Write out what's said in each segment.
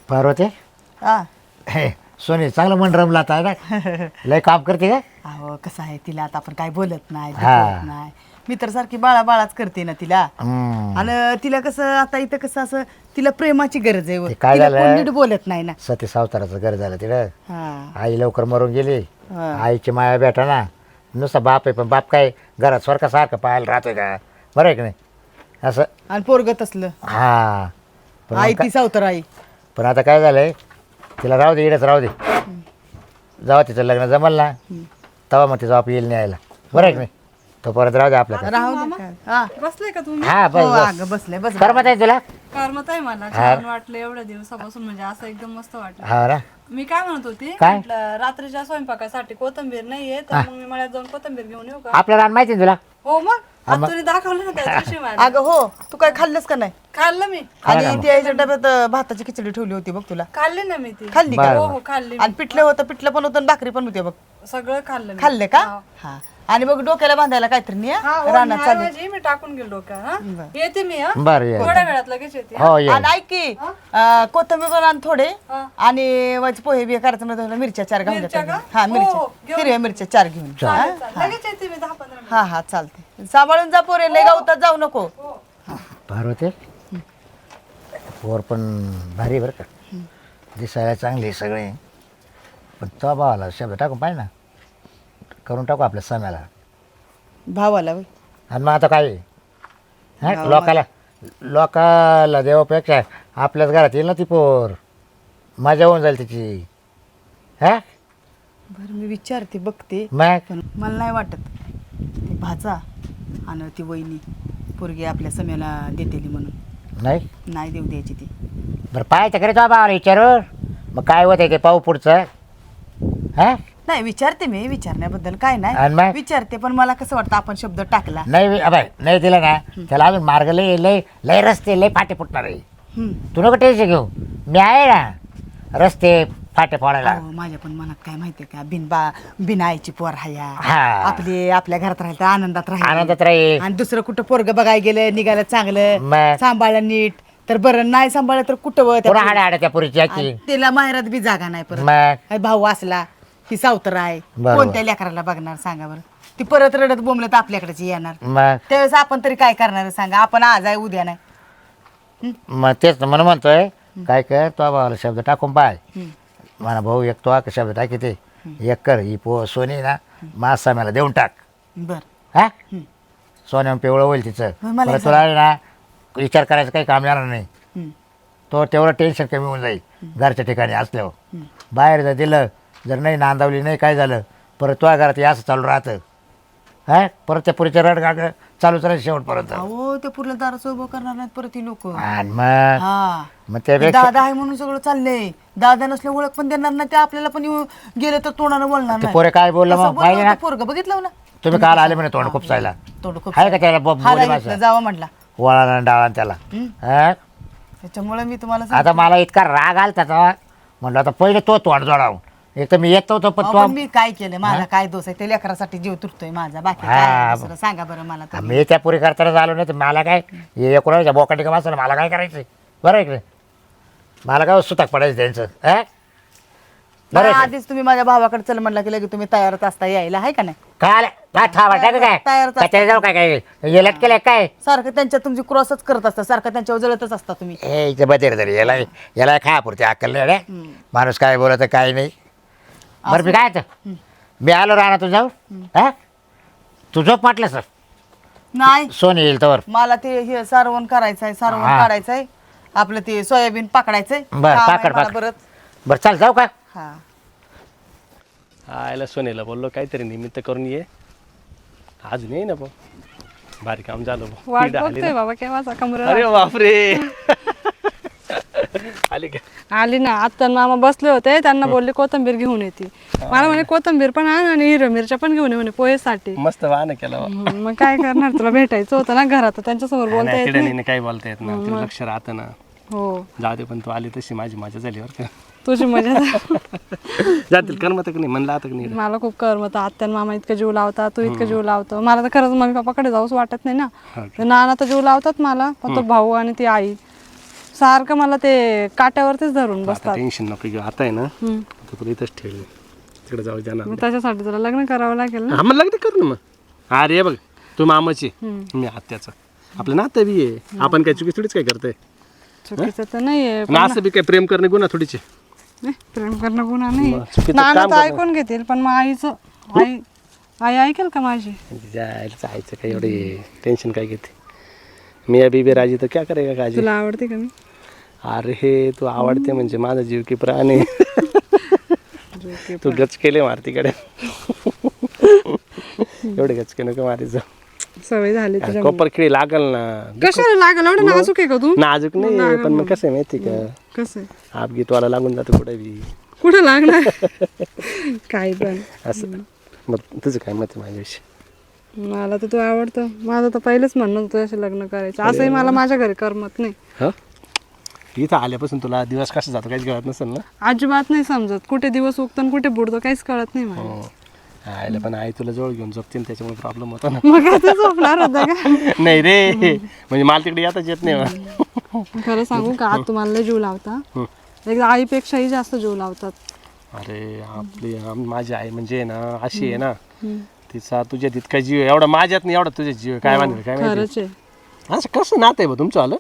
पार्वती हा हे सोनी चांगलं मन रमला आता ना लय काम करते का अहो कसं आहे तिला आता आपण काय बोलत नाही हा. दुखवत नाही मी तर सारखी बाळाच करते ना तिला हम्म. आणि तिला कसं आता इथं कसं असं तिला प्रेमाची गरज आहे व. ते काय तिला झालं? कोण नीट बोलत नाही ना सती सावताराचं घर झालं तिथं हा आई लवकर मरून गेली हा. आईची माया भेटा ना नुसता बाप आहे पण बाप काय घरात सारखं पाहायला राहतोय का बरं आहे की नाही असं आणि पोरगत असलं हा पण आई मग ती सावतर आई पण आता काय झालंय तिला राहू दे इडच राहू दे जेव्हा तिचं लग्न जमल ना तेव्हा मग तिचा बाप येईल नाही यायला बरं आहे की नाही तो परत राहू दे आपल्याकडे राहू दे काय. हा बसले का तुम्ही हा हो, बस बस अगं बसले बस करमत आहे तुला करमत आहे मला छान वाटलं एवढ्या दिवसापासून म्हणजे असं एकदम मस्त वाटलं हा ना मी काय म्हणत होती काय? म्हटलं रात्रीच्या स्वयंपाकासाठी कोथिंबीर नाहीये तर मग मी मळ्यात जाऊन कोथिंबीर घेऊन येऊ का आपलं रान माहिती आहे तुला हो मग आता तुम्ही दाखवलं ना त्या दिवशी मला अगं हो तू काय खाल्लंस का नाही खाल्लं मी आणि ती आईच्या डब्यात भाताची खिचडी ठेवली होती बघ तुला खाल्ली ना मी ती खाल्ली का हो हो खाल्ली आणि पिठलं होतं पिठलं पण होतं आणि भाकरी पण होती बघ सगळं खाल्लं मी. खाल्ले का हा आणि मग डोक्याला बांधायला काहीतरी नाही हा, हा? हो, रानात मी चालली ऐवजी मी टाकून गेलो का हा येते मी हा बरं ये थोड्या वेळात लगेच येते हो ये आणि ऐक की कोथिंबीर पण आण थोडे हा. आणि वाच पोहे बिहे करायचं म्हणजे थोड्या मिरच्या 4 घेऊन मिरच्या घेतो. का? हा हो, मिरच्या हो, घेऊन हिरव्या मिरच्या 4 घेऊन चालेल, चालेल. लगेच येते मी 10-15 मिनिट हा हा चालते सांभाळून जा पोरे लय गावतात जाऊ नको पार्वती पोर पण भारी बरं का दिसायला चांगली आहे सगळे पण तो भावाला शब्द टाकून पाहिजे ना करून टाकू आपल्या सम्याला भावाला होय. आणि मग आता काय हा लोकाला देवापेक्षा आपल्याच घरात येईल ना ती पोर मजा होऊन जाईल तिची हा बरं मी विचारते बघते मग पण मला नाही वाटत ते भाचा आणि ती वहिनी पोरगी आपल्या सम्याला देतेली म्हणून नाही नाही देऊ द्यायची ती बरं पाहायचं खरे तो भावाला विचारून मग काय होतं ते पाहू पुढचं हा नाही विचारते मी विचारण्याबद्दल काय आणि नाही मग? विचारते पण मला कसं वाटतं आपण शब्द टाकला नाही अबाय नाही दिला ना त्याला अजून मार्ग लय लय लय रस्ते लय फाटे फुटणार आहे हम्म. तू नको टेन्शन घेऊ मी आहे ना रस्ते फाटे फोडायला अहो, माझ्या पण मनात काय माहितीये का बिन आईची पोर हाया हा. आपली आपल्या घरात राहिलं तर आनंदात राहील आनंदात राहील आणि दुसरं कुठं पोरग बघायला गेलं निघालं चांगलं मग? सांभाळलं नीट तर बरं नाही सांभाळलं तर कुठं व त्या पुन्हा पोरी- हाड्या हाड्या त्या पुरीची याची आणि तिला माहेरात बी जागा नाही परत मग काय भाऊ असला ती सावतर आहे बरोबर. कोणत्या लेकराला बघणार सांगा बरं ती परत रडत बोंबलं तर आपल्याकडेच येणार मग त्यावेळेस आपण तरी काय करणार आहे सांगा आपण आज आहे उद्या नाही मग तेच ना म्हणून म्हणतोय काय कर तो भावाला शब्द टाकून पाय म्हणा भाऊ एक तो का शब्द टाकी ते एक कर ही सोनी ना मासा मला देऊन टाक बर हा सोन्या पिवळं होईल तिचं मग मला परत तुला ना विचार करायचं काही काम येणार नाही तो तेवढं टेन्शन कमी होऊन जाईल घरच्या ठिकाणी असल्यावर बाहेर जर दिलं जर नाही नांदावली नाही काय झालं परत तुझ्या घरात हे असं चालू राहतं हा परत त्या पुरीच्या रडगाग चालूच राहील शेवटपर्यंत अहो ते पुरलं दाराचं उभं करणार नाहीत परत ही लोक आणि मग हा मग त्यापेक्षा दादा आहे म्हणून सगळं चाललंय दादा नसलं ओळख पण देणार नाही ते आपल्याला पण गेलं तर तोंडानं बोलणार ते नाही पोरे काय बोललं मग पाहिजे ना पोरग बघितलं ना तुम्ही काल आले म्हणे तोंड खूप सायला तोंड खूप आहे का त्याला बोली भाषा जावं म्हटला वळा डाळा त्याला हा? त्याच्यामुळे मी तुम्हाला आता मला इतका राग आला त्याचा म्हटलं आता पहिले तो तोंड जोडावून एक तर मी येत नव्हतो पण अहो, तो पण मी काय केलं माझा काय दोष आहे ते लेकरासाठी जीव तुटतोय माझा बाकी काय हा. आहे दुसरं? सांगा बरं मला तर. मी त्या पुरी करताना झालो नाही तर मला काय हे कोणाच्या बोकाटी का वाचलं मला काय करायचं बरं आहे की नाही? मला काय सुताक पडायचं त्यांचं हा? बरं मला आहे की? आधीच तुम्ही माझ्या भावाकडे चल म्हणला की लगेच तुम्ही तयारच असता यायला आहे का नाही काय आलं काय ठावा टाक काय तयारच काय त्याला जाऊ काय काय हे लटकेलं काय सारखं त्यांच्या तुमची क्रॉसच करत असता सारखं त्यांच्यावर जळतच असता तुम्ही हे इथे बदेर तरी याला खा पुरते अक्कल नाही रे माणूस काय बोलत काय नाही बरं मी काय तर मी आलो राहणार तू जाऊ हा तू झोप म्हटलं सर नाही सोन येईल तर मला ते हे सारवण करायचंय सारवण हा. काढायचंय आपलं ते सोयाबीन पकडायचंय बरं काम आहे पाकड मला पाकड बरंच बरं चाल जाऊ का हा आयला सोनेला बोललो काहीतरी निमित्त करून ये अजून ये ना भाऊ भारी काम झालं भाऊ वाट ती आली बघतोय ना. बाबा केव्हाचा कमरा अरे बापरे आली का आली ना आता मामा बसले होते त्यांना बोलले कोथंबीर घेऊन येते मला म्हणे कोथंबीर पण आण आणि हिरव्या मिरच्या पण घेऊन ये म्हणे पोहेसाठी मस्त वाहन केलं बा. मग काय करणार तुला भेटायचं होतं ना घरात त्यांच्यासमोर बोलता नाही, येत तिला नाही नाही काही बोलता येत ना तिला लक्ष राहतं ना हो जाऊ दे पण तू आली तशी माझी मजा झाली बरं का तुझी मजा जातील करमत का नाही म्हणलं आता का नाही मला खूप करमत आत्या मामा इतकं जीव लावतात तू इतकं जीव लावतो मला तर खरंच मम्मी पप्पाकडे जाऊच वाटत नाही ना हा ते नाना तर जीव लावतात मला पण तो भाऊ आणि ती आई सारखं मला ते काट्यावरतीच धरून आता बसतात. टेन्शन नको घेऊ, आता आहे ना आता तुला इथंच ठेवलं तिकडे जाऊ जाणार मग त्याच्यासाठी तुला लग्न करावं लागेल ना. हा मग लग्न करू ना मग. अरे बघ तू मामाची मी आत्याचं आपलं नातं बी आहे. आपण काय चुकी थोडीच काय करतोय चुकीचं तर नाहीये आणि असं बी काय प्रेम करणे गुन्हा थोडीचे. नाही, प्रेम करणं गुन्हा नाही. मग चुकीचं नाना काम तर करणं. ऐकून घेतील पण मग आई ऐकेल का माझी. जायचं जायचं काय एवढे टेन्शन काय घेते. मी बीबी राजी तर क्या करेगा काजी. तुला आवडते का मी. अरे हे तू आवडते म्हणजे माझा जीव की प्राण आहे. तू गचकेले मारतीकडे एवढे गचके नको मारायचं. सवय झाली तुझ्या. कोपर खिळी लागल ना. कशाला लागल एवढं नाजूक आहे का तू. नाजूक नाही पण मग कसं आहे माहिती का कसं आहे? आपगीत वाला लागून जातो कुठे बी कुठं लागणार. काही पण असं. मग तुझं काय मत आहे माझ्याविषयी. मला तर तू आवडतं. माझं तर पहिलेच म्हणणं होतं तुझ्याशी लग्न करायचं. असंही मला माझ्या घरी करमत नाही. हा इथं आल्यापासून तुला दिवस कसा जातो काहीच कळत नसेल ना. अजिबात नाही समजत. कुठे दिवस उगतो आणि कुठे बुडतो काहीच कळत नाही मला. आयला पण आई तुला जवळ घेऊन झोपते त्याच्यामुळे प्रॉब्लेम होता ना. मग आता झोपणार होता का. नाही रे म्हणजे मला तिकडे येताच येत नाही मला. खरं सांगू का आज तुम्हाला लय जीव लावता. एकदा आईपेक्षाही जास्त जीव लावतात. अरे आपली माझी आई म्हणजे ना अशी आहे ना तिचा तुझ्या तितका जीव आहे. एवढा माझ्यात नाही एवढा तुझ्या जीव आहे. काय माहिती काय माहिती खरंच आहे. असं कसं नातं आहे बा तुमचं आलं.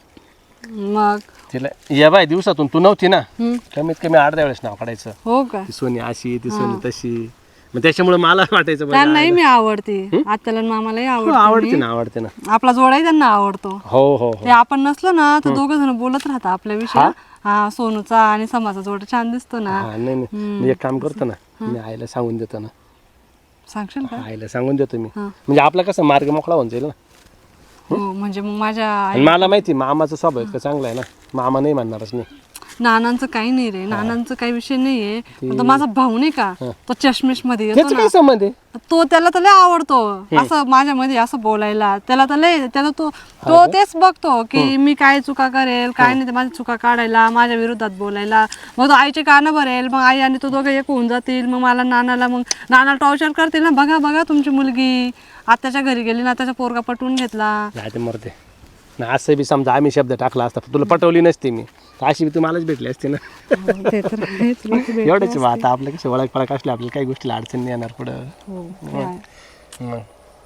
मग तिला या बाय दिवसातून तू नव्हती ना कमीत कमी 8-10 वेळेस नाव काढायचं. हो का. ती सोनी अशी ती सोनी तशी मग त्याच्यामुळे मला वाटायचं बरं, त्यांनाही मी आवडते. आत्याला आणि मामालाही आवडते ना आवडते ना. आपला जोडाही त्यांना आवडतो. हो हो ते आपण नसलो ना तर दोघं जण बोलत राहतात आपल्याविषयी. हा सोनूचा आणि समाचा जोड छान दिसतो ना. हा नाही नाही मी एक काम करतो ना मी आईला सांगून देतो ना. सांगशील का. आईला सांगून देतो मी म्हणजे आपला कसा मार्ग मोकळा होऊन जाईल ना. हो म्हणजे मग माझ्या आणि मला माहिती मामाचा स्वभाव इतका चांगला आहे ना. मामा नाही म्हणणारच नाही. नानांचं काही नाही रे. नानांचं काही विषय नाहीये. पण तो माझा भाऊ नाही का तो चष्मेश मध्ये येतो त्याचं काय संबंध आहे. तो त्याला तर लय आवडतो असं माझ्यामध्ये असं बोलायला. त्याला तर लय त्याला तो तेच बघतो की मी काय चुका करेल काय नाही ते माझ्या चुका काढायला माझ्या विरोधात बोलायला. मग तो आईचे कानं भरेल मग आई आणि तो दोघं एक होऊन जातील. मग मला नानाला टॉर्चर करतील ना. बघा बघा तुमची मुलगी आत्याच्या घरी गेली ना त्याचा पोरगा पटवून घेतला. नाही ते मरते ना. असं बी समजा आम्ही शब्द टाकला असता तुला पटवली नसती मी तर अशी बी तू मलाच भेटली असती ना. ते तर आहेच. लोकं भेटले एवढंच बा. आता आपलं कसं ओळख पळख असली आपल्याला काही गोष्टीला अडचण नाही येणार पुढं. हो, ते आहे. मग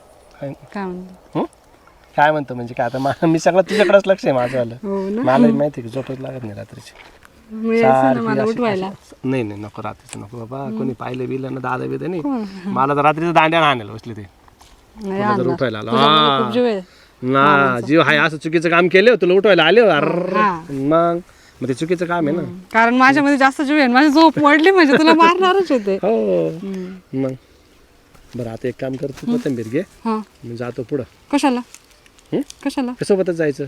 काय म्हणतो. काय म्हणतो म्हणजे काय आता मी सगळं तुझ्याकडेच लक्ष आहे माझं आलं. हो ना. मला माहिती आहे की झोपच लागत नाही रात्रीची. मग यायचं ना मला उठवायला. नाही नाही नको रात्रीचं नको बाबा. कोणी पाहिलं बिलं ना दादा बिदा नाही. मला तर रात्रीचं दांड्या आणायला बसले ते नाही तुला जर आणणार. उठवायला आलो तुझ्यामध्ये खूप जीव आहे. ना जीव हाय असं चुकीचं काम केलं तुला उठवायला आले हा. मग ते चुकीचं काम आहे ना. कारण माझ्यामध्ये जास्त जीव आहे. माझी झोप मोडली म्हणजे तुला मारणारच होते. हो मग बरं आता एक काम कर तू कोथिंबीर घे हा मी जातो पुढं. कशाला कशाला सोबतच जायचं.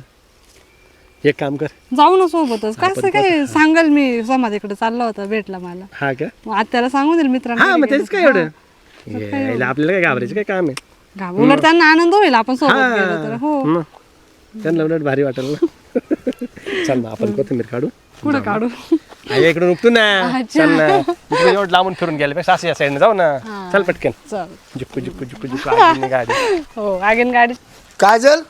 एक काम कर जाऊ ना सोबतच. कसं काय सांगाल मी समाधीकडे चालला होता भेटला मला. हा का मग आत्याला सांगून देईल मित्रांना. हा मग तेच काय एवढं यायला आपल्याला काय घाबरायचं काय काम आहे. उलट त्यांना आनंद होईल आपण सोबत गेलो तर. हो मग त्यांना उलट भारी वाटेल ना. चल ना आपण कोथिंबीर काढू. पुढे काढू. आई इकडून उठतो ना. चल ना इकडे एवढं लांबून फिरून गेल्यापेक्षा असं या साईडने जाऊ ना. चल पटकन. चल. झुक्कू झुक्कू झुक्कू झुक्कू आगीने गाडी. हो आगीन गाडी. काजल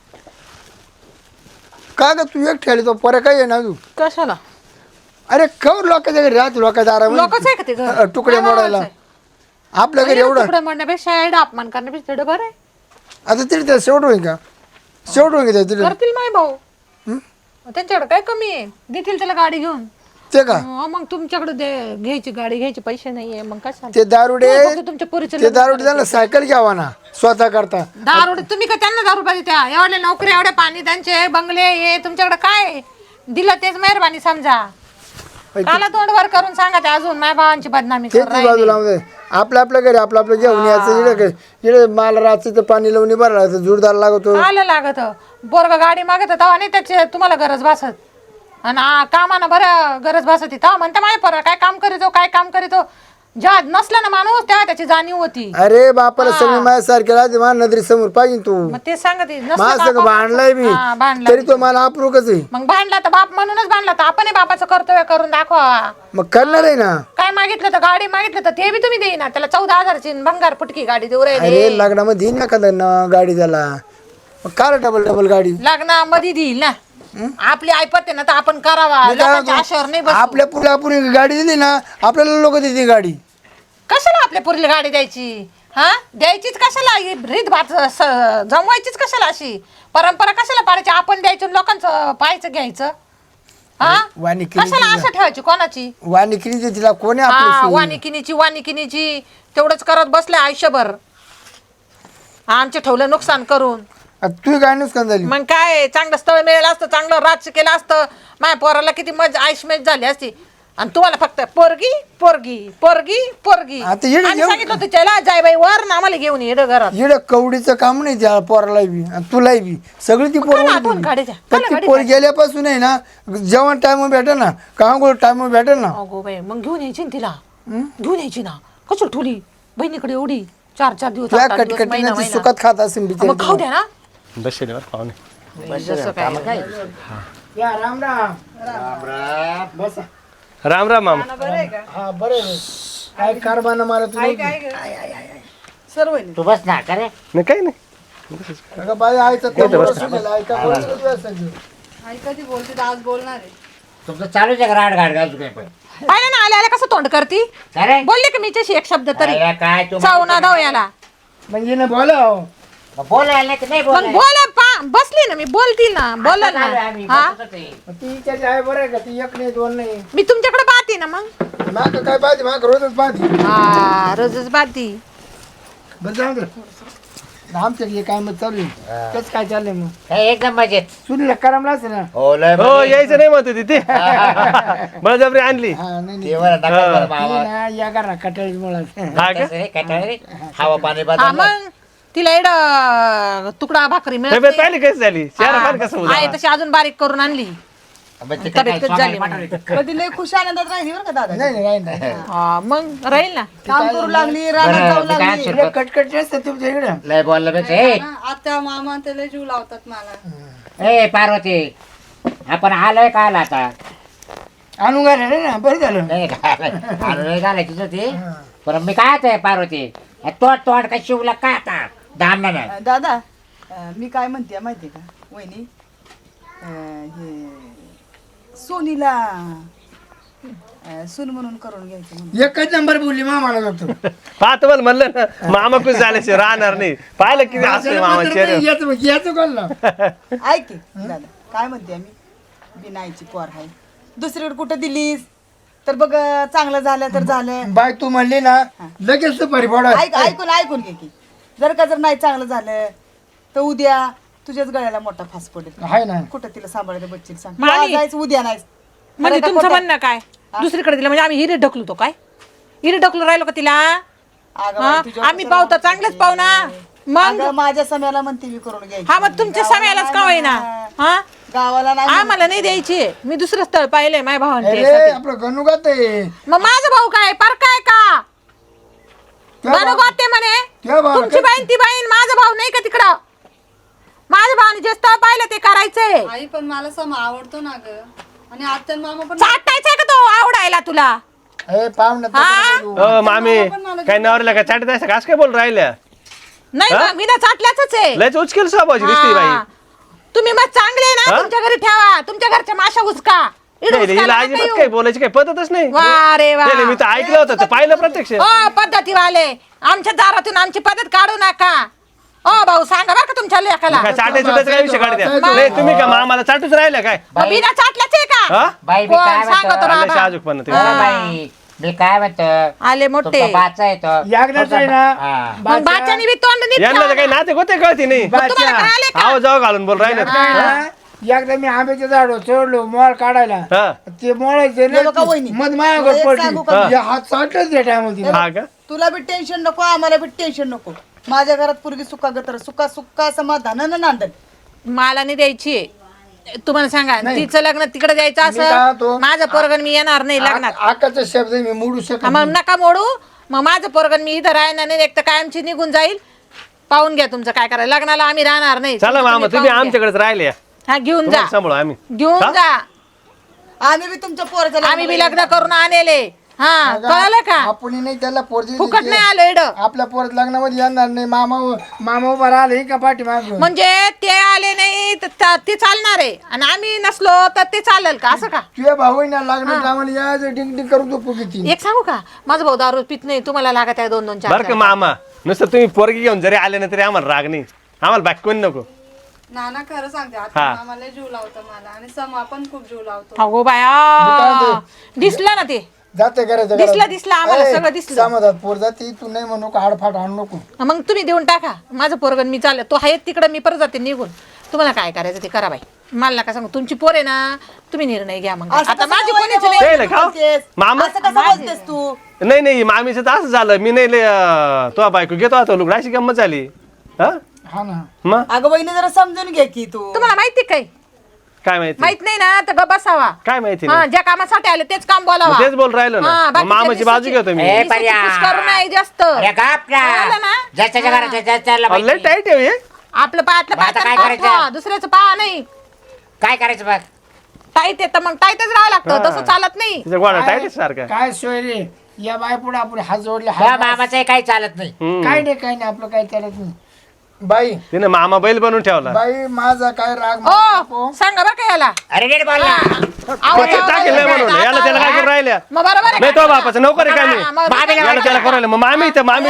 का ग तू एक ठेवली तो पोरे काय ना तू. कशाला. अरे खबर लोकांच्या घरी राहते लोकांच्या लोकच आहे का ते घर? आराम तुकडे मोडायला. आपल्या घरी एवढं तुकडे म्हणण्यापेक्षा एवढं अपमान करण्यापेक्षा तेवढं बरं आहे. आता तरी त्या शेवट होईल का. शेवट होईल का तिथे करतील माय भाऊ. त्यांच्याकडे काय कमी आहे. देतील त्याला गाडी घेऊन. ते का मग तुमच्याकडे घ्यायची गाडी घ्यायचे पैसे नाहीये मग कशाला. ते दारुडे फक्त तुमच्या पोरीचं ते दारुडे त्यांना सायकल घ्यावा ना स्वतः करता. दारू तुम्ही का त्यांना दारू पाहिजे त्या एवढ्या नोकरी एवढे पाणी त्यांचे बंगले हे तुमच्याकडे काय दिलं तेच मेहरबानी समजा. काला तोंडवर करून सांगा ते अजून माय भावांची बदनामी तेच बाजूला आपल्या घरी आपलं घेऊन यायचं. इकडे मला रात्रीचं पाणी लावून बरं जोरदार लागतो. आलं लागत बोरग गाडी मागत तेव्हा नाही त्याची तुम्हाला गरज भासत. आणि कामानं बरं गरज भासत तेव्हा म्हणते माय पोरं काय काम करीतो काय काम करीतो. जेव्हा नसला ना माणूस तेव्हा त्याची जाणीव होती. अरे बापाला सगळी माझ्यासारखे राहते माझ्या नजरी समोर पाहिजे तू. मग ते सांगते माझं सगळं भांडलाय मी तरी तो मला अप्रूकच आहे. मग भांडला तर बाप म्हणूनच भांडला तर आपण बापाचं कर्तव्य करून दाखवा. मग करणार आहे ना. काय मागितलं तर गाडी मागितलं तर ते बी तुम्ही देईना. त्याला 14,000ची भंगार फुटकी गाडी देऊ राहिले. अरे लग्नामध्ये येईन एखादा गाडी त्याला. मग काय डबल गाडी लग्नामध्ये देईल ना. आपली ऐपत आहे ना तर आपण करावा मी काय लोकांच्या म्हणतो, आशेवर नाही बसू. आपल्या पुढे आपण गाडी दिली ना आपल्याला लोक देते गाडी. कशाला आपल्या पोरीला गाडी द्यायची? हा द्यायचीच कशाला? ही रीत भात जमवायचीच कशाला? अशी परंपरा कशाला पाडायची? आपण द्यायचं आणि लोकांचं पाहायचं घ्यायचं. हा वाणी केली कशाला आशा ठेवायची कोणाची? वानिकिनी तिला कोणी हा आपली वानिकिनीची तेवढंच करत बसले आयुष्यभर. आमचे ठेवलं नुकसान करून. तू काय नुकसान झाली? मग काय चांगलं स्थळ मिळालं असतं, चांगलं राज्य केलं असतं, माझ्या पोराला किती आयुष्यमेज झाली असती. आणि तुम्हाला फक्त पोरगी पोरगी पोरगी पोरगी. आता येडं आम्ही घेऊन- सांगितलं होतं त्याला जाय बाई वर ना आम्हाला घेऊन येडं घरात. इकडे कवडीचं काम नाही त्या पोराला बी आणि तुलाही बी सगळी ती पोर काला आठवण काढायच्या? काला ती गाडी पोर गेल्यापासून आहे ना जेवण टाइम भेटेल ना कांगोळ टाइम भेटेल ना. अगो बाई मग घेऊन यायची ना तिला. घेऊन यायची ना. कशी ठुली बहिणीकडे एवढी 4-4 दिवस तुला 8-8 दिवस, महिना कटकटीने महिना. सुखात खात असेल मग खाऊ बिचारी. द्या ना. बसले बरं पाहुणे. जसं काय या राम राम. बसा. राम राम मामा. हा बरं आहे. काय कारभार मारा तुम्ही? सर्व आहे. तू बस ना का रे नाही काही नाही. अगं बाई आईचं तोंड सुनेल, ऐका बोलत होती असं. आई कधी बोलते तर आज बोलणार आहे. तुमचं चालूच आहे का राड गाड घालू काही पण पाहिलं ना आल्या आल्या कसं तोंड करती. अरे बोलले का मीच्याशी एक शब्द तरी? अरे काय तू चावू ना धाव याला. म्हणजे ना बोला बोलायला नाही तर नाही मग बोलायला. बसली ना मी बोलतील ना बोला आता चालू आहे ना. आम्ही, हा बसतच आहे. ती त्याची आहे बरं आहे का ती एक नाही दोन नाही मी तुमच्याकडे पाहते ना मग. माग काय पाहते माग रोजच पाहते. हा रोजच पाहती. बरं जाऊ दे. आमच्याकडे काय मग चालू आहे तेच काय चाललंय मग काय एकदम मजेत सुनीला करमला असेल ना. हो लय हो मजेत. यायचं नाही म्हणत होती ती. बळजबरी आणली. हा नाही ते बरं नका बरं मावा. नाही ना या करा कटाळी मुळा हा का? कसं रे, काय रे? हवा पाणी हा बदल मग तिला एड तुकडा भाकरी मिळत तब्येत नाही. पाहिली कशी झाली चेहरा हा. पाहिलं कसं होतं? आहे तशी अजून बारीक करून आणली. तब्येत तब्येत झाली पण ती लय खुश आनंदात राहिली बरं का दादा. नाही नाही हा मग राहील ना. काम करू लागली, रानात जाऊ लागली. इकडे कटकट असते तुमच्या इकडे. लय बोललं पेक्षा ए आत्या मामा ते लय जीव लावतात मला. ए पार्वती आपण आलोय का आला आता आणून घाले ना बरं झालं. नाही नाही घालायचीच होती पण मी काय आहे पार्वती तोड काय शिवला काय आता दाम नाही दादा मी काय म्हणते माहितीये का वहिनी हे सोनीला सून म्हणून करून घ्यायचं म्हणून. एकच नंबर बोलली मामाला जातो. पाहतो मला म्हणलं ना मामा खुश झाल्याशिवाय राहणार नाही. पाहिलं किती हसले मामा चेहरा. याचं कोण ना ऐक की, दादा काय म्हणते मी बिनाईची पोर आहे दुसरीकडे कुठं दिलीस तर बघ चांगलं झालं तर झालं. बाय तू म्हणली ना लगेच सुपारी फोडा. ऐकून घे की जर नाही चांगलं झालं तर उद्या तुझ्याच गळ्याला मोठा फास पडेल. आहे ना कुठं तिला सांभाळायचं बच्ची सांग मग तू आज आणि- जायचं उद्या नाही. म्हणजे खरं का तुमचं खोटं? म्हणणं काय? दुसरीकडे दिलं म्हणजे आम्ही हिरे ढकलू तो काय? हिरे ढकलू राहिलो का तिला? अगं हा? बाई, तुझ्यावर आम्ही कसं पाहू तर म्हणते? चांगलेच पाहू ना. मग अगं, माझ्या समयाला म्हणते मी करून घ्यायची. हा मग तुमच्या समयालाच का होईना. हा गावाला नाही आम्हाला नाही द्यायची. मी दुसरं स्थळ पाहिलंय माझ्या भावाने अरे त्यासाठी. आपलं गणुगात आहे. मग माझा भाऊ काय पर काय का त्या बनू भाऊ- गोते म्हणे त्या भाऊ- तुमची बहीण ती बहीण माझा भाऊ नाही का तिकडं. माझ्या भावाने जे स्थळ पाहिलं ते करायचंय. आई पण मला सम आवडतो ना ग. आणि आत्या आणि मामा पण चाटायचंय का तो आवडायला तुला? ए पाहुणा हा? हो मामी काय नवऱ्याला काय चाटत असं काय बोल राहिल्या? नाही बा, मी ना चाटल्याच आहे. लयच उचकेल स्वभावाची दिसते हा. बाई. तुम्ही मग चांगले ना हा? तुमच्या घरी ठेवा. तुमच्या घरच्या माशा उचका. इकडं नाही, उचकायला हिला नका अजिबात येऊ. काही बोलायची काही पद्धतच नाही. वा रे वा. नाही, नाही, मी तर ऐकलं होतं ते पाहिलं प्रत्यक्ष. ओ पद्धतीवाले आमच्या दारातून आमची पद्धत काढू नका. ओ भाऊ सांगा बरं का तुमच्या लेकाला. काय चाटायचं त्याचा काय विषय काढत्या? बा- नाही तुम्ही का मामाला चाटूच राहिल्या काय? मग बिना चाटल्याच आहे का? हा? बाई मी कोण काय सांगतो म्हणतो बाबा? आले शाहजूकपणा तुम्ही. अरे बाई मी काय म्हणतो आले मोठे तुमचा बाचा येतो यागनाचं आहे ना हा. मग बाच्यानी बी तोंड नीट यांना तर ठेवा काही ना. नाते होते कळती नाही. मग तुम्हाला कळाले का? आवाज जाऊ घालून बोल राहिले. एकदा मी आंब्याच्या झाड चढलो मोळ काढायला हा ते मोळायचे हे बघा वहिनी. मध माझ्याकडे एक सांगू का? पडली हात चाटलंच त्या टायमध्ये हा का? तुला बी टेन्शन नको आम्हाला बी टेन्शन नको. माझ्या घरात पूर्वी सुका गतर सुका सुका समाधानानं नांदल. मला नाही द्यायची. तुम्हाला सांगा तिचं लग्न तिकडे द्यायचं मी काय असं म्हणतो? माझं पोरगण मी येणार नाही लग्नात. आकाचा शब्द मी मोडू शकत मग नका मोडू. मग माझं पोरगण मी इथं राहणार नाही. एक तर कायमची निघून जाईल. पाहून घ्या तुमचं काय करायला. लग्नाला आम्ही राहणार नाही. चला मामा तुम्ही पाहून घ्या. आमच्याकडेच राहिले. हा घेऊन जा. तुम्हाला सांभाळू आम्ही. घेऊन हा? जा. आम्ही बी तुमच्या पोराचं आम्ही बी लग्न करून आणले. हा कळलं का आपण नाही त्याला पोर दिली फुकट ते. नाही आलं इड आपल्या पोरात लग्नामध्ये येणार नाही. मामा उभा राहिले का पाठी माग म्हणजे ते आले नाही तर ते चालणार आहे आणि आम्ही नसलो तर ते चालेल का असं का तुझ्या भाऊ ना लग्न टायमाला यायचं डिंग डिंग करून तो फुकीची एक सांगू का माझा भाऊ दारू पित नाही तुम्हाला लागत आहे 2-2 4 बरं का मामा नुसतं तुम्ही पोरगी घेऊन जरी आले ना तरी आम्हाला राग नाही आम्हाला बाकी कोणी नको नाना खरं सांगते आता आम्हाला जीव लावतो मला आणि समा पण खूप जीव लावतो अगो बाया दिसलं ना ते जाते करायचं दिसलं आम्हाला सगळं दिसलं समाजात पोर जाते तू नाही म्हणू का हाडफाट आणू नको. मग तुम्ही देऊन टाका माझं पोरगण मी चालले तो आहे तिकडे मी परत जाते निघून तुम्हाला काय करायचं ते करा बाई मला नका सांगू तुमची पोर आहे ना तुम्ही निर्णय घ्या मग आता माझी कोणीच नाही ते ना का मामा असं कसं बोलतेस तू नाही मामीचं तर असं झालं मी नाही तो बायको घेतो आता लुगडा अशी गंमत झाली हा हा ना मग अगं बहिणी जरा समजून घे की तू तुम्हाला माहिती काय काय माहिती माहित नाही ना तर गप्प बसावा काय माहिती हा ज्या कामासाठी आले तेच काम बोलावा तेच बोल राहिलो ना हा, मग बाकीच्या मामाची बाजू घेतो मी ए, पर्या. करू नाही जास्त अरे गप ना. कळलं ना? ज्याच्या घरात ज्याच्या लय माहिती. टाईट आहे हे. आपलं पायातलं मग आता काय पाय करायचं? ठेवा, दुसऱ्याचं पहा नाही काय करायचं बघ टाईट येतं मग टाईटच राहावं लागतं तसं चालत नाही तिचा गोळा टाईट आहे सारखा काय सोय रे या बाय पुढे आपण हात जोडले तुझ्या मामाचं काही चालत नाही काय नाही आपलं काय चालत नाही. बाई तिने मामा बैल बनवून ठेवला बाई माझा काय राग नको. ओ सांगा बरं का याला अरे नीट बोल ना. ते टाकेल नाही म्हणून याला त्याला काय करून राहिल्या मग बरोबर आहे नाही का? तो बापाचं नोकर आहे का मी हा, मग मामीला याला त्याला करून राहिलं मग मामी तर मामी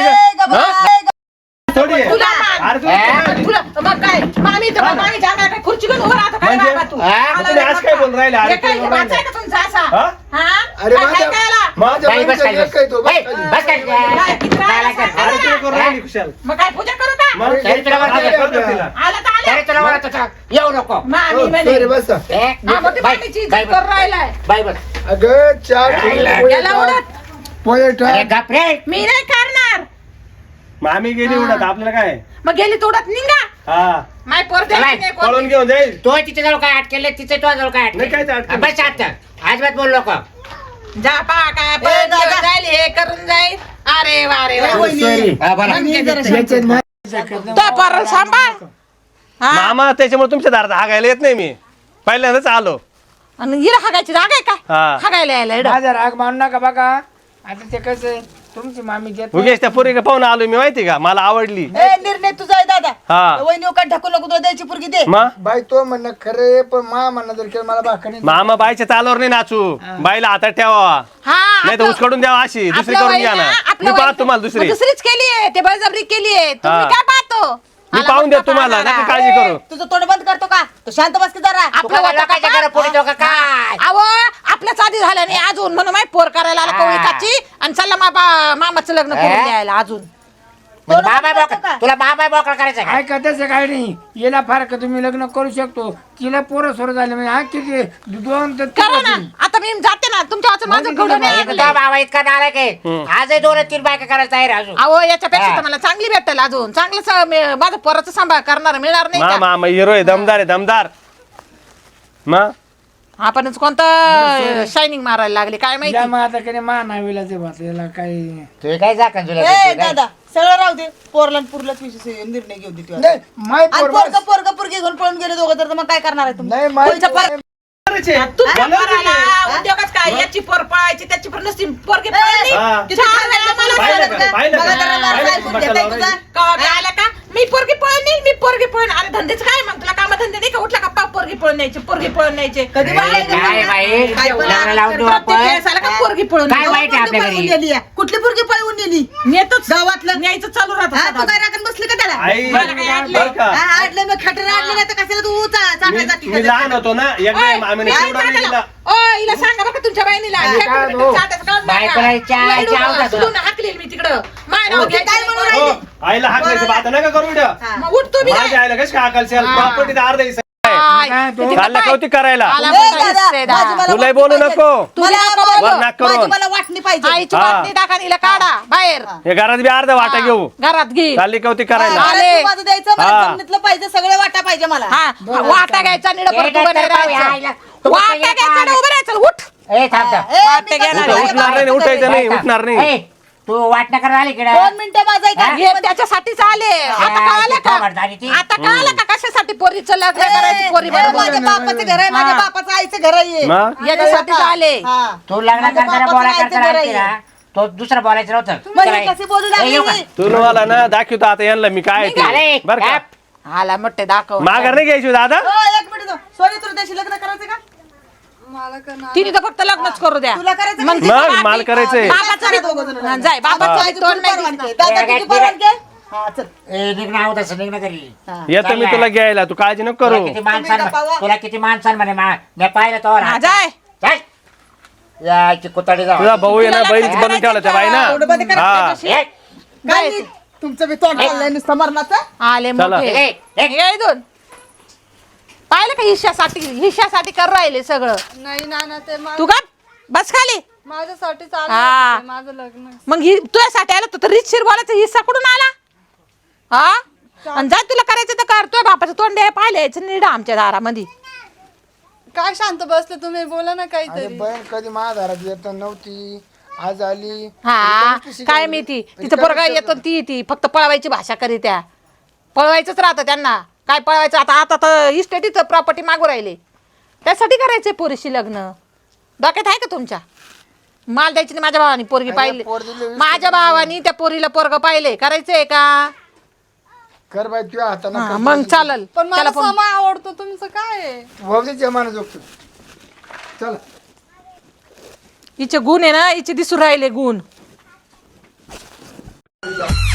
थोडी आहे. तुला मान. अरे तू- तुला मग काय मामी तर मग मामी जागा काय खुर्ची घेऊन उभं राहतो काय म्हणजे? बाबा तू हा? आला तुम्ही आज काय बोलून राहिले? अरे हे काय काय वाचा आहे का तुमचा असा हा? हा अरे काय माझ्या काय आला? माझ्या बाई, बस बहिणीचा खाली, लेक आहे तो, बस ए, खाली. बस खाली. काय किती राहिला सांगा अरे ना? तुला करून राहिली खुशाल मग काय पूजा करू का मग तरी तुला आता वाटतं- करतो तिला. आला तर आला तरी तुला म्हणत होतं, येऊ नको मामी हो, म्हणे sorry, बस ए, हा, मग ते बाई, मामीची इज्जत बाई, करून राहिलाय बाई बस अगं चार याला उडत पोहे अरे टाक. गप रे मी नाही करणार मामी गेली उडत आपल्याला काय मग गेली तोडत निघा हा माय पोर द्यायची चला, नाही पळून कोणी. घेऊन जाईल तो तिच्या जवळ काय अटकेल तिचे तो जवळ काय नाही, काहीच अटकेल बस आता अजिबात बोल नको जा पा काय पळून घेऊन जाईल हे करून जाईल अरे वा रे वा Sorry. हा, बोला. याच्यात माझ्या तो पोर सांभाळ हा मामा त्याच्यामुळे तुमच्या दारात हागायला येत नाही मी पहिल्यांदाच आलो आणि हिला हागायची जागा आहे का हा. हागायला यायला इकडं. माझा राग मानू नका बघा आता ते कसं आहे, तुमची मामी देत उगेच त्या पोरी पाहून आलो मी माहिती का मला आवडली ए निर्णय तुझा आहे दादा हा वहिनी काय ढकू नको तुला द्यायची पुरगी दे मग बाई तो म्हणणं खरे पण मा म्हणणं जर केलं मला भाकरी मामा बाईच्या चालावर नाही नाचू बाईला हातात ठेवा हा नाही तर आपलं- उचकडून द्यावा अशी दुसरी आपलं करून वय घ्या ना आपलं मी वय- पाहतो तुम्हाला दुसरी मग दुसरीच केली आहे ते बळजबरी केली आहे तुम्ही हा. काय पाहतो मी आला पाहून मोठा देतो तुम्हाला पाहणारा. नका काळजी करू तुझं तोंड बंद करतो का तो शांत बस की जरा आपलं होतं का लोकांच्या घरात पुढे तो का काय अहो आपल्याच आधी झालं नाही अजून म्हणून माहिती पोर करायला आला कवळीकाची आणि चला मामाचं लग्न करून द्यायला अजून म्हणजे मामा बोकड तुला मामा बोकड करायचं का काय तसं काय नाही याला फार का तुम्ही लग्न करू शकतो तिला पोरं सोर झाले म्हणजे हा किती 2 तर करा ना आता मी जाते ना तुमच्या वाचून माझं घडून नाही तुझा लागलंय. बाबा इतका नालाय काय आजही 2-3 बायका करायला तयार आहे अजून अहो याच्यापेक्षा हा. तर मला चांगली भेटेल अजून चांगलं माझं पोराचं सांभाळ करणार मिळणार नाही का मामा हिरो आहे दमदार आहे दमदार मग आपणच कोणतं शायनिंग मारायला लागले काय या माहिती मग आता कडे मा नावीला ते भात याला काही तू काय जा का तुला ए दादा सगळं राहू दे पोरला पुरलाच विषय निर्णय घेऊ दे तू आता. नाही माय आणि पोर पोरग पोरग पुरगी घेऊन पळून गेले दोघं तर मग काय करणार आहे तुम्ही नाही माय कोणच्या पोर- तुमच्या पोराला उद्योगच काय याची पोर पळायची त्याची पोर नसती पोरगी पळाली हा. तिथे आम्हाला मला पाहिलं का? सांगितलं. पाहिलं का? मला जरा पाहिलं लाज का? ऐकून घेताय तुझा? कवा काय आला का मी पोरगी पळून नेईल मी पोरगी पळून अरे धंदेच काय मग तुला काम धंदे नाही का उठला का पोरगी पळून न्यायची पोरगी पळून न्यायचे कधी बाहेर गेली? काय बाई काय बोला? लग्न लावून देऊ प्रत्येक आपण वेळेस आला का पोरगी पळून काय न्यायची. वाईट आहे आपल्या पळून घरी गेली आहे. कुठली पुरगी पळवून नेली नेतोच गावातलं न्यायचं चालू राहतं हा, तू सदा. काय राखून बसली का त्याला आई मला काय आडलंय? बरं का हा, आडलं मग खटर आडलं नाही तर कशाला तू चाटायचा मी लहान होतो ना एकदा ओय, मामीने काय चिवडा नाही चाटायला? दिला ओय, हिला सांगा बघा तुमच्या बहिणीला काय हो? बायकोला चहा आवडतो. हाकलेल मी तिकडं माय नाव ओके, काय म्हणून घ्यायचं. राहिली? हो, आईला हाक नाही आता नका करू द्या मग उठ तू बी माझ्या आईला कशी हाकाल प्रॉपर्टी अर्धा हिस्सा आहे. काय? तो- तिकडं चाललं पाय. कौतिक करायला आला ए, मोठा दादा, हिस्सेदार. माझी मला तुलाही वाटणी बोलू पाहिजे. नको. तुला मला- नको बोलू. वर नाक करून. माझी मला वाटणी पाहिजे आईची हा. वाटणी टाका हिला काढा बाहेर हे घरात बी अर्धा वाटा घेऊ घरात घे चालली कौतिक करायला मला आले. तू माझं द्यायचं मला हा. जमिनीतलं पाहिजे सगळे वाटा पाहिजे मला हा वाटा घ्यायचा निड ए, परत उभं नाही डॉक्टर बाई, आईला. राहायचं तू वाटा बघ, घ्यायचा आणि उभं राहायचं उठ ए थांब थांब. ए, वाटे मी घेणार कसं नाही. उठणार नाही उठायचं नाही उठणार नाही ए, तू वाटणं करायला आली की 2 मिनिटं माझा ऐका. हे त्याच्यासाठीच आले आता कळालं किती खबरदारी ती? का आता कळालं का कशासाठी पोरीचं लग्न करायची पोरी ए, बरोबर माझ्या बापाचं घर आहे माझ्या बापाचं आईचं घर आहे मग याच्यासाठीच आले हा. तू लग्न माझ्या करताना बापाचं बोला आईचं करताना घर ऐकते आहे. ना तो दुसरं बोलायचं नव्हतं म्हणजे चला, कशी बोलू ए, येऊ का? लागली तू मला ना दाखवतो आता यांना मी काय ते अरे, बरं का गप. आला मोठे दाखव माघार नाही घ्यायची दादा हो, एक मिनिट सोनी तुला त्याशी लग्न करायचं का मला करणार तिने तर फक्त लग्नच करू द्या तुला करायचं मग का? मग मला करायचंय बापाचं करा दोघं जण. बी- जाय बाबाचं आईची बी तोंड तुला नाही परवानगी आहे. दिसणार. दादा तुझी परवानगी आहे? हा, चल. ए, निघणं आहोत असं निघणं घरी येतो मी तुला घ्यायला तू काळजी नको तुला करू किती माणसान तुम्ही गप्पा वा. तुला किती माणसान म्हणे मी पाहिलं तो हा, जाय याची कुताडी जाऊ तुझा भाऊ आहे ना बहीण बनून ठेवला त्या बाई ना एवढं मध्ये करा हा त्याच्याशी. ए, काय नाही. तुमचं बी तोंड चाललंय नुसतं मरणाचं. आले चला. मोठे ए, ए, ये इथून. पाहिलं का हिश्यासाठी कर राहिले सगळं नाही नाना ते तू का बस खाली माझ्यासाठी हा. चालू माझं लग्न मग तुझ्यासाठी आला तर रीतशीर बोलायचा हिस्सा कुठून आला हा आणि जाय तुला करायचं तर कर तुझ्या बापाचं तोंड आहे पाहिलं यायचं निडा आमच्या दारामध्ये काय शांत बसले तुम्ही बोला ना अरे काहीतरी बहीण कधी महादारात येत नव्हती आज आली हा काय माहिती तिचं पोरगा येतो ती ती फक्त पळवायची भाषा करी त्या पळवायचंच राहतं त्यांना काय पळवायचं आता तर इस्टेटीचं प्रॉपर्टी मागू राहिले त्यासाठी करायचंय पोरीशी लग्न डोक्यात आहे का तुमच्या माल द्यायची नाही माझ्या भावानी पोरगी पाहिली पोर दिली वीस माझ्या भावानी त्या पोरीला पोरग पाहिले करायचंय का कर बाई तुझ्या हा, हाताने मग चालल पण मला त्याला पण समा आवडतो तुमचं काय आहे भाऊजी जमाना जोगतो चला हिचे गुण आहे ना हिचे दिसून राहिले गुण